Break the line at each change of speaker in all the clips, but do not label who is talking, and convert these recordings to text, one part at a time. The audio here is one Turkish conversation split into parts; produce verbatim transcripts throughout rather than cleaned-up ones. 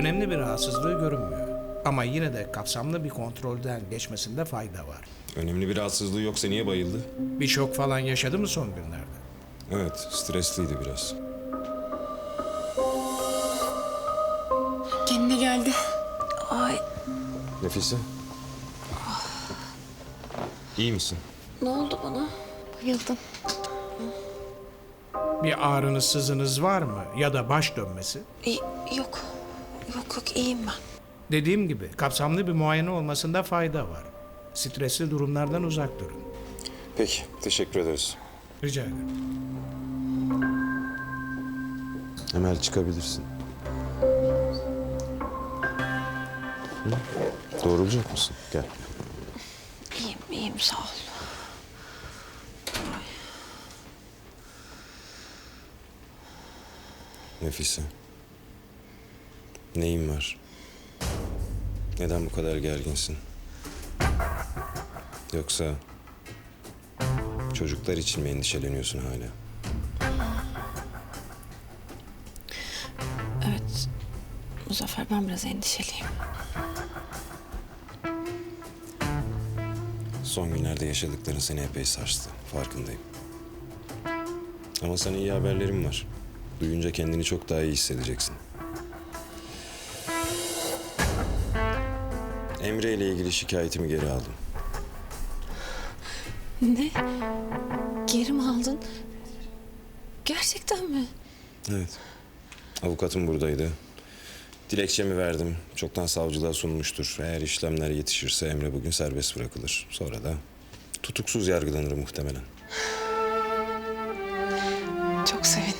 Önemli bir rahatsızlığı görünmüyor. Ama yine de kapsamlı bir kontrolden geçmesinde fayda var.
Önemli bir rahatsızlığı yoksa niye bayıldı?
Bir şok falan yaşadı mı son günlerde?
Evet, stresliydi biraz.
Kendine geldi. Ay,
Nefise. İyi misin?
ne oldu bana? Bayıldım.
Bir ağrınız, sızınız var mı? Ya da baş dönmesi?
İyi, yok. Yok yok iyiyim ben.
Dediğim gibi kapsamlı bir muayene olmasında fayda var. Stresli durumlardan uzak durun.
Peki, teşekkür ederiz.
Rica ederim.
Emel çıkabilirsin. Hı? Doğrulacak mısın? Gel.
İyiyim, iyiyim sağ ol.
Nefise. Neyin var? Neden bu kadar gerginsin? Yoksa çocuklar için mi endişeleniyorsun hala?
Evet, Muzaffer ben biraz endişeliyim.
Son günlerde yaşadıkların seni epey sarstı. Farkındayım. Ama sana iyi haberlerim var. Duyunca kendini çok daha iyi hissedeceksin. Emre ile ilgili şikayetimi geri aldım.
Ne? Geri mi aldın? Gerçekten mi?
Evet. Avukatım buradaydı. Dilekçemi verdim. Çoktan savcılığa sunmuştur. Eğer işlemler yetişirse Emre bugün serbest bırakılır. Sonra da tutuksuz yargılanır muhtemelen.
Çok sevindim.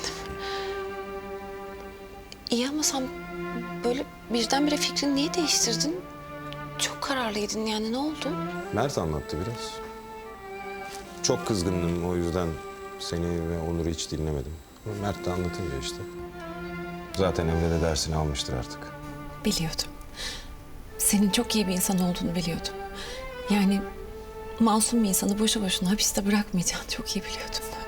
İyi ama sen böyle birdenbire fikrini niye değiştirdin? Çok kararlıydın yani ne oldu?
Mert anlattı biraz. Çok kızgındım, o yüzden seni ve Onur'u hiç dinlemedim. Ama Mert de anlatınca işte. Zaten Emre de dersini almıştır artık.
Biliyordum. Senin çok iyi bir insan olduğunu biliyordum. Yani masum bir insanı boşu boşuna hapiste bırakmayacağını çok iyi biliyordum ben.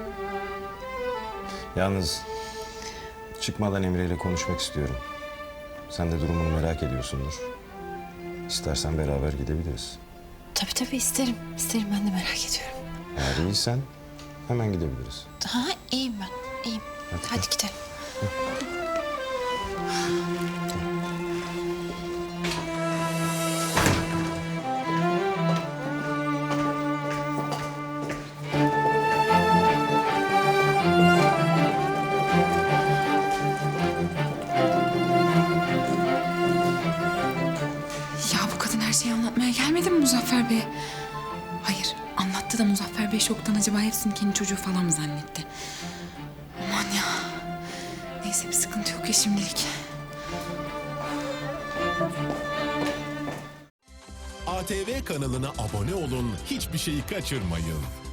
Yalnız çıkmadan Emre ile konuşmak istiyorum. Sen de durumunu merak ediyorsundur. İstersen beraber gidebiliriz.
Tabii tabii isterim. İsterim ben de merak ediyorum.
Eğer iyisen hemen gidebiliriz.
Ha iyiyim ben. İyiyim.
Hadi
Hadi,
gel.
gidelim.
Ya bu kadın her şeyi anlatmaya gelmedi mi Muzaffer Bey? Hayır, anlattı da Muzaffer Bey şoktan acaba hepsini kendi çocuğu falan mı zannetti? Aman ya. Neyse bir sıkıntı yok ya şimdilik.
A T V kanalına abone olun, hiçbir şeyi kaçırmayın.